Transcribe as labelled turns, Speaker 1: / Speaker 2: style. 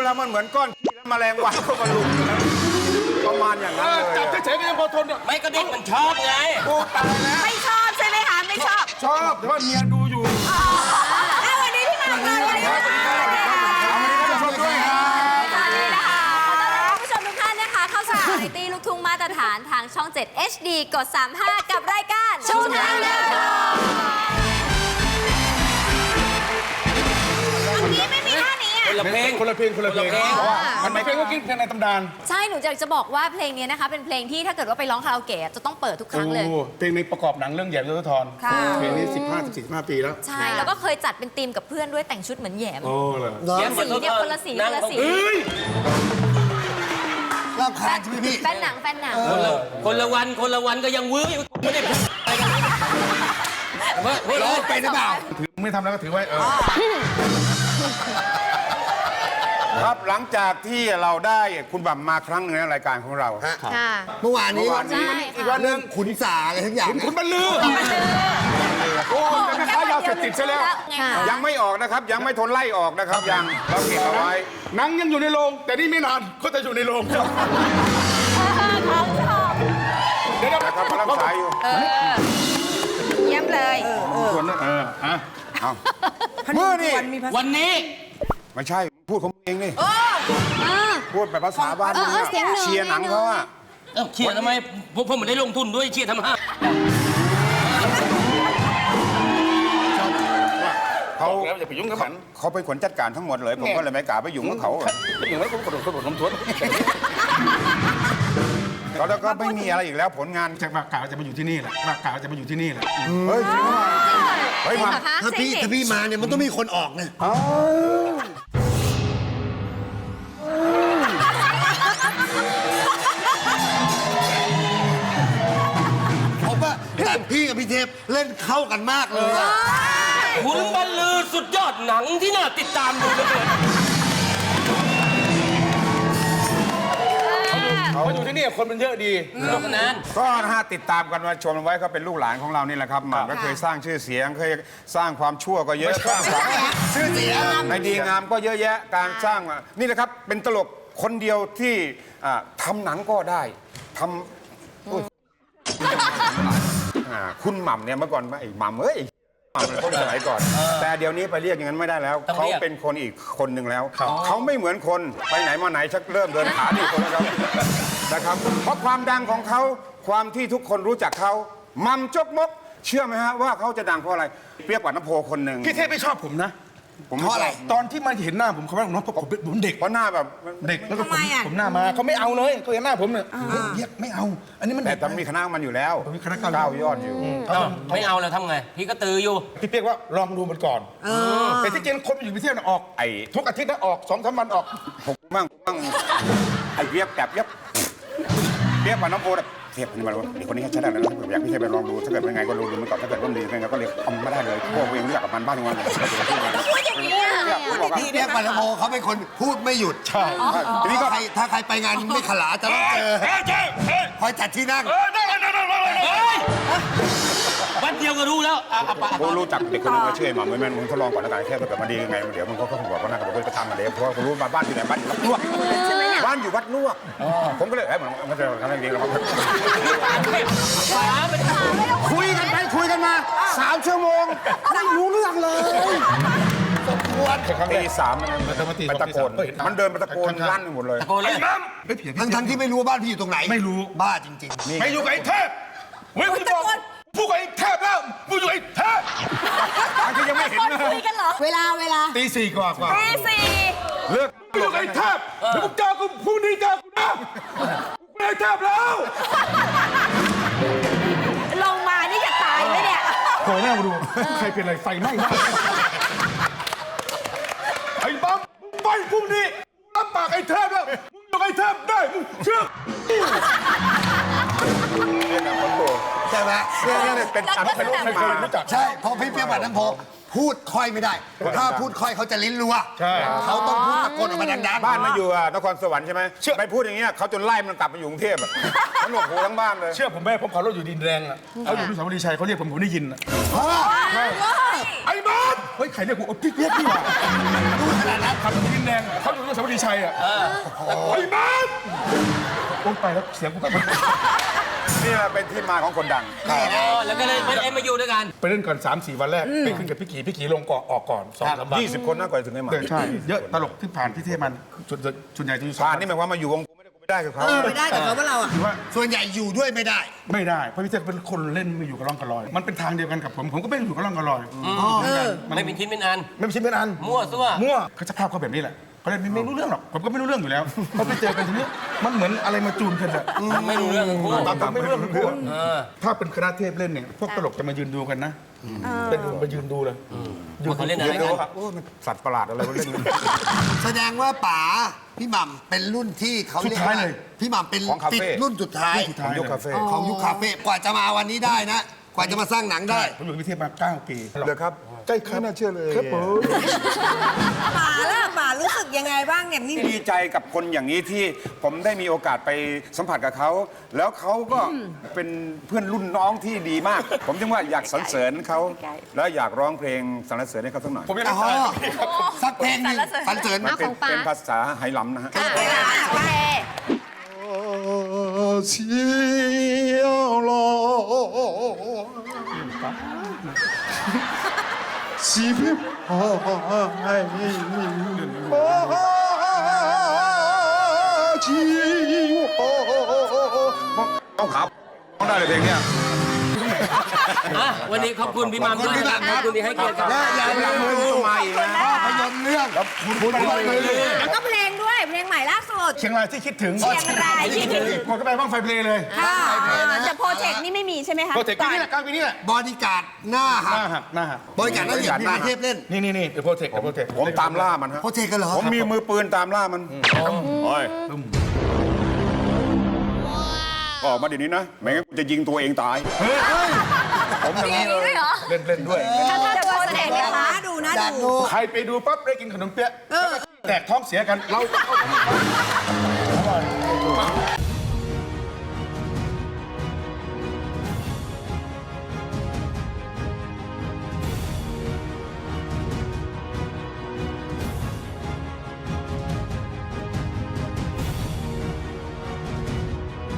Speaker 1: แล้วมันเหมือนก้อนแล้วแมลงวันเข้ามาลุมประมาณอย่างนั้นเลย
Speaker 2: จับเฉยๆก็ยังพอทนเนี่ย
Speaker 3: ไม่ก็เด็กมันชอบไง
Speaker 1: โอ้ตายแล้ว
Speaker 4: ไม่ชอบใช่ไหมคะไม่ชอบ
Speaker 2: ชอบแต่ว่าเมียดูอยู่
Speaker 4: วันนี้ที่มาค่ะวันนี้ค่ะสวัสดีค่ะสวัสดีนะคะผู้ชมทุกท่านนะคะเข้าสู่วาไรตี้ลูกทุ่งมาตรฐานทางช่อง 7 HD กด 35 กับรายการชูทางเดินทางอันนี้ไม่มีท่านี้อ่ะ
Speaker 3: คนละเพลง
Speaker 2: คนละเพลงมันไม่เพลงก็กินเพลงในตำนาน
Speaker 4: ใช่หนูอยากจะบอกว่าเพลงนี้นะคะเป็นเพลงที่ถ้าเกิดว่าไปร้องคาราโอเกะจะต้องเปิดทุกครั้งเลย
Speaker 2: เพลงในประกอบหนังเรื่องแหยมยศธร
Speaker 4: ค่ะ
Speaker 2: เพลงนี้15 ปีแล้ว
Speaker 4: ใช่แล้วก็เคยจัดเป็นธีมกับเพื่อนด้วยแต่งชุดเหมือนแหยม
Speaker 2: โอ้เหรอ
Speaker 4: สีเนี่ยคนละสีคนละสี
Speaker 5: รำคาญใช่ไหมพี่
Speaker 4: แฟนหนัง
Speaker 3: คนละวันก็ยังวื้ออยู่ไม่ได้อะไรกันเฮ้ย
Speaker 5: ร้องเป็นหรือเปล่า
Speaker 2: ถือไม่ทำแล้วก็ถือไว้
Speaker 1: ครับหลังจากที่เราได้คุณบัมมาครั้งหนึงในรายการของเรา
Speaker 4: ค่ะ
Speaker 5: เมื่อวานนี้
Speaker 4: ใช่
Speaker 2: อีกวันหนึ่ง
Speaker 5: ขุนสาอะไรทั้งอย่าง
Speaker 2: คุณบรรลือโอ้ยแม่ค้ายาเสพติดซะแล้ว
Speaker 1: ยังไม่ออกนะครับ ยังไม่ทนไล่ออกนะครับยังเราเก็บเอาไว้
Speaker 2: หนังยังอยู่ในโรงแต่นี่ไม่นานก็จะอยู่ในโรง
Speaker 4: เขาชอบ
Speaker 2: เดี๋ยว
Speaker 1: นะครับเขารับสายอยู่
Speaker 4: เยี่ยมเลย
Speaker 2: ส่วนนั้น
Speaker 1: เอาเมื่อนี่
Speaker 3: วันนี้
Speaker 1: ไม่ใช่พูดของมึงเองนี่พูดแบบภาษาบ้านมึงอะเชียร์หนังเขาอะ
Speaker 3: เชียร์ทำไมผมไม่ได้ลงทุนด้วยเชียร์ทำไม
Speaker 1: เขา
Speaker 2: แล้วอย่าไปยุ่งกับมัน
Speaker 1: เขาเป็นคนจัดการทั้งหมดเลยผมก็เลยไม่กล้าไปยุ่งกับเขา
Speaker 2: อย่างไรผมกระโดดน้ำทวน
Speaker 1: เขาแล้วก็ไม่มีอะไรอีกแล้วผลงาน
Speaker 2: จากปากกาจะมาอยู่ที่นี่แหละปากกาจะมาอยู่ที่นี่แหละ
Speaker 1: เฮ้ยเฮ้ยมา
Speaker 5: ถ้าพี่มาเนี่ยมันต้องมีคนออกนะผมว่าแต่พี่กับพี่เทพเล่นเข้ากันมากเลยอะ
Speaker 3: คุณบรรลือสุดยอดหนังที่น่าติดตามดูเลย
Speaker 2: เขาอยู่ที่นี่คนมันเยอะดี
Speaker 3: สนุกสนาน
Speaker 1: ก็นะฮะติดตามกันมาชมไว้เขาเป็นลูกหลานของเรานี่แหละครับหม่ำก็เคยสร้างชื่อเสียงเคยสร้างความชั่วก็เยอะสร้างความ
Speaker 5: ชื่อเสียง
Speaker 1: ในดีงามก็เยอะแยะการสร้างนี่แหละครับเป็นตลกคนเดียวที่ทำหนังก็ได้ทำอุ๊ยคุณหม่ำเนี่ยเมื่อก่อนไอ้หม่ำเอ้ยหม่ำเป็นคนสมัยก่อน แต่เดี๋ยวนี้ไปเรียกอย่างนั้นไม่ได้แล้วเขาเป็นคนอีกคนหนึ่งแล้วเขาไม่เหมือนคนไปไหนมาไหนชักเริ่มเดินขาดีคนแล้วครับนะครับเพราะความดังของเขาความที่ทุกคนรู้จักเขาหม่ำจกมกเชื่อไหมฮะว่าเขาจะดังเพราะอะไรเปรียบกับน้ำโพคนหนึ่ง
Speaker 2: พี่เทพไม่ชอบผมนะ
Speaker 1: ผม
Speaker 5: เพราะอะไร
Speaker 2: ตอนที่มันเห็นหน้าผมเขาว่าน้องผมเด็ก
Speaker 1: เพราะหน้าแบบ
Speaker 2: เด็กแล้วก็ผมหน้ามาเขาไม่เอาเลยเขาเห็นหน้าผมเนี่ยเรียกไม่เอา อันนี้มัน
Speaker 1: แต่
Speaker 2: เด็ก
Speaker 1: ต้องมีคณะมันอยู่แล้ว
Speaker 2: มีคณะ
Speaker 1: เก้ายอดอยู่
Speaker 3: ไม่เอาแล้วทำไง พี่ก็ตืออยู่
Speaker 2: พี่เปียกว่าลองดูมันก่อนแต่ที่จริงคนมันอยู่พิเศษออก
Speaker 1: ไอ้
Speaker 2: ทุกอาทิตย์นะออก2-3 วันออก
Speaker 1: ผมมั่งไอ้เวียบแบบเวียบกับน้องโพแบบเทียบนี่มาเด็กคนนี้ใช้ได้แล้วผมอยากพี่เทพไปลองดูถ้าเกิดเป็นไงก็ลองดูมันก่อนถ้าเกิดว่าดียังไงก็เลยทำไม่ได้เลยพวกเองรู้จักกับมันบ้างทุกวันเลย
Speaker 4: พูดอย่างนี้อ่ะ
Speaker 5: พี่เนี่ยปันโมเขาเป็นคนพูดไม่หยุด
Speaker 2: ใช่
Speaker 5: ทีนี้ก็ถ้าใครไปงานไม่ขลาจะต้องเจอคอยจัดที่นั่ง
Speaker 3: วันเดียวก็รู้แล้ว
Speaker 1: ผมรู้จักเด็กคนนึงมาชื่อหม่ำแม่มึงทดลองก่อนแล้วกันแค่ถ้าเกิดมันดียังไงเดี๋ยวมึงก็คงบอกว่าน่าจะบอกว่าไปทำกันเลยเพราะว่าผมรู้มาบ้านอยู่ไหนบ้านอยู่วัดลวกบ้านอยู่วัดลวกผมก็เลยมันจะทำอะไรดีเราคุยกันไปคุยกันมา3 ชั่วโมงไม่รู้เรื่องเลยตี 3มันไปตะโกนมันเดินไปตะโกนลั่นหมดเลย
Speaker 3: ตะโกนเลย
Speaker 5: ทั้งที่ไม่รู้ว่าบ้านพี่อยู่ตรงไหน
Speaker 2: ไม่รู้
Speaker 5: บ้าจริง
Speaker 2: ไม่อยู่กับไอ้เทพเฮ้ยคุณบอกพูดกับไอ้เทพแล้วมึงอยู่ไอ้เทพ
Speaker 1: ที่ยังไม่เห็น
Speaker 4: คนคุยกันเหรอ เวลา
Speaker 2: ตี 4 กว่า
Speaker 4: ตีสี่
Speaker 1: เลิก
Speaker 2: อยู่กับไอ้เทพเดี๋ยวมึงเจอกูพรุ่งนี้เจอกูนะกูไอ้เทพแล้ว
Speaker 4: ลงมานี่จะตายไหมเนี่ย
Speaker 2: โผล่หน้ามาดูใครเป็นอะไรไฟไหม้หน้าไอ้ปั๊มไปพรุ่งนี้รับปากไอ้เทพแล้วมึงอยู่กับไอ้เทพได้มึงเชื่อ
Speaker 5: ๆ ใช่ไหม
Speaker 1: เนี่ยเป็นอันเป็น
Speaker 2: ไม่เคยรู้จัก
Speaker 5: ใช่เพราะพี่เปียกปันน้ำโพพูดค่อยไม่ได้ ถ้าพูดค่อยเขาจะลิ้นรัว
Speaker 2: ใช่
Speaker 5: เขาต้องพูดตะโกนออกมาดังๆ
Speaker 1: บ้านมาอยู่นครสวรรค์ใช่ไหมไปพูดอย่างเงี้ยเขาจนไล่มันกลับมาอยู่กรุงเทพมันหนวกหูทั้งบ้านเลย
Speaker 2: เชื่อผมไหมผมขับรถอยู่ดินแดงอ่ะเขาอยู่ที่สาวรีชัยเขาเรียกผมได้ยินอ่ะ
Speaker 5: พ่อ
Speaker 2: ไอ้บ้านเฮ้ยใครเรียกกูโอ้พี่เรียกพี่ว่ะขับรถดินแดงเขาอยู่ที่สวัสดีชัยอ่ะไอ้บ้านโอ้ยไปแล้วเสียงกูกลับมา
Speaker 1: นี่แหละเป็นที่มาของคนดัง
Speaker 3: แล้วก็เลยไม่มาอยู่ด้วยกัน
Speaker 2: ไปเล่นก่อน 3-4 วันแรกไปขึ้นกับพี่กี่ลงก่อนออกก่อน2-3 วัน
Speaker 1: 20 คนน่ากว่าถึงได้มา
Speaker 2: ใช่เยอะตลกที่ผ่านที่เทพมันส่วนใหญ่จะอยู่
Speaker 1: ผ่านนี่หมายความมาอยู่วงกูไม่ได้กับเขา
Speaker 5: ไม่ได้กับเขาว่าเราอ่ะ
Speaker 2: คือว่า
Speaker 5: ส่วนใหญ่อยู่ด้วยไม่ได้
Speaker 2: ไม่ได้เพราะพี่เทพเป็นคนเล่นไม่อยู่กับร่องกับรอย มันเป็นทางเดียวกันกับผมก็ไม่ได้อยู่กับร่องกับรอย
Speaker 3: ไม่เป็นชิ้นเป็นอัน
Speaker 2: ไม่เป็นชิ้นเป็นอัน
Speaker 3: มั่วซั่ว
Speaker 2: มั่วเขาจะภาพเขาแบบนี้แหละเขาเลยไม่รู้เรื่องหรอกผมก็ไม่รู้เรื่องอยู่แล้วพอไปเจอกันทีนี้มันเหมือนอะไรมาจูนกันอะ
Speaker 3: ไม่รู้เรื่องทั้งคู่
Speaker 2: ผมไม่รู้เรื่องทั้งคู่ถ้าเป็นคณะเทพเล่นเนี่ยพวกตลกจะมายืนดูกันนะเป็นมายืนดูเลย
Speaker 3: ว่าเขาเล่นอะไร
Speaker 1: เดี๋ยว
Speaker 3: กัน
Speaker 1: ครับโอ้มันสัตว์ประหลาดอะไรวะเล่นกัน
Speaker 5: แสดงว่าป๋าพี่หม่ำเป็นรุ่นที่เขาเรียกว่าพี่หม่ำเป็น
Speaker 1: ของคาเฟ่
Speaker 5: ปิดรุ่นสุดท้าย
Speaker 1: ของยกคาเฟ่
Speaker 5: ของยุคคาเฟ่กว่าจะมาวันนี้ได้นะ กว่าจะมาสร้างหนังได้
Speaker 2: ผมอยู่กับพี่เทพมา9 ปี
Speaker 1: เลยครับใกล้ข้าน่าเชื่อเลย
Speaker 2: ครับผม
Speaker 6: ป๋าล่ะป๋ารู้สึกยังไงบ้างเนี่ยนี่
Speaker 1: ดีใจกับคนอย่างนี้ที่ผมได้มีโอกาสไปสัมผัสกับเขา แล้วเขาก็เป็นเพื่อนรุ่นน้องที่ดีมาก ผมจึงว่าอยากสรรเสริญเขาแล้วอยากร้องเพลงสรรเสริญให้เขาสักหน่อย
Speaker 2: ผมยัง
Speaker 5: อ๋
Speaker 2: ไม่
Speaker 5: อ
Speaker 2: ตาย
Speaker 5: สักเพลงหนึงสรรเสริญ
Speaker 1: มันเป็น
Speaker 4: ของป๋า
Speaker 1: เป็นภาษาไหหลำนะฮะ
Speaker 4: โอเค
Speaker 1: เสียวลสีพิบหายจีต้องขับต้องได้เลยเพลงเนี้ย
Speaker 3: วันนี้ขอบคุณพี่มัมด้วยนะครับขอบคุณที่ให้เกียรติกับ
Speaker 5: และอย่าลืมดู
Speaker 1: มาอีกนะ
Speaker 5: ภาพยนตร์เรื่องคุณไปเลย
Speaker 6: แล้วก็เพลงด้วยเพลงใหม่ล่าสุด
Speaker 2: เชียงรายที่คิดถึง
Speaker 6: เชียงรายที่คิดถึง
Speaker 2: หมดก็ไปบ้างไฟเพลงเลย
Speaker 6: ค่ะแต่โปรเจกต์นี่ไม่มีใช่ไหมคะ
Speaker 2: โปรเจกต์ปีนี้แหละกลางปีนี้แหละ
Speaker 5: บอดี้การ์ดหน้า
Speaker 2: ห
Speaker 5: หัก
Speaker 2: น้าหักหน้าหัก
Speaker 5: บอดี้การ์ดหน้าหักพี่เทพเล่น
Speaker 2: นี่เดี๋ยวโปรเจกต์โปรเจกต์
Speaker 1: ผมตามล่ามันฮะ
Speaker 5: โปรเจกต์กันเหรอ
Speaker 1: ผมมีมือปืนตามล่ามันโอ้ยออกมาเดี๋ยวนี้นะ ไม่งั้นกูจะยิงตัวเองตาย ผมอย่าง
Speaker 4: มี
Speaker 1: นี้
Speaker 4: ด้วยเหรอ
Speaker 2: เล่นด้วย
Speaker 4: ถ้าโปรเจกต์เนี่ย
Speaker 6: ป๋า
Speaker 4: คะ
Speaker 6: ดูนะ
Speaker 5: อยาก
Speaker 6: ดู
Speaker 5: ดู
Speaker 2: ใครไปดูปั๊บได้กินขนมเปี๊ยะแล้วก็แตกท้องเสียกันเรา